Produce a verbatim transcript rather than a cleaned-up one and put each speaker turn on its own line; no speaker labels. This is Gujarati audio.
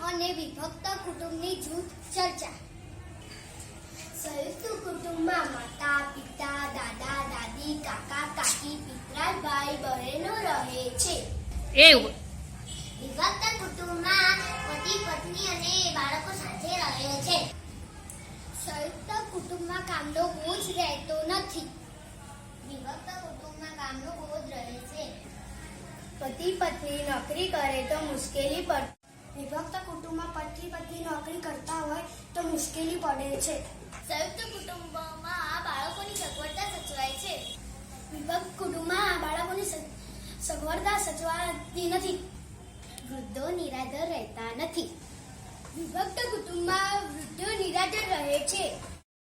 અને વિભક્ત કુટુંબની જૂથ ચર્ચા. સંયુક્ત કુટુંબમાં માતા પિતા દાદા દાદી કાકા કાકી પિતરાઈ ભાઈ બહેનો રહે છે.
એવું.
વિભક્ત કુટુંબમાં પતિ પત્ની અને બાળકો સાથે રહે છે. સંયુક્ત કુટુંબમાં કામનો બોજ રહેતો નથી. વિભક્ત કુટુંબમાં કામનો બોજ રહે છે. પતિ પત્ની નોકરી કરે તો મુશ્કેલી પડે. વિભક્ત કુટુંબમાં પતિ પત્ની નોકરી કરતા હોય તો મુશ્કેલી પડે છે. સંયુક્ત કુટુંબમાં બાળકોની સગવડતા સચવાય છે. વિભક્ત કુટુંબમાં બાળકોની સગવડતા સચવાતી નથી. વૃદ્ધો નિરાધાર રહેતા નથી. વિભક્ત કુટુંબમાં વૃદ્ધો નિરાધાર રહે છે.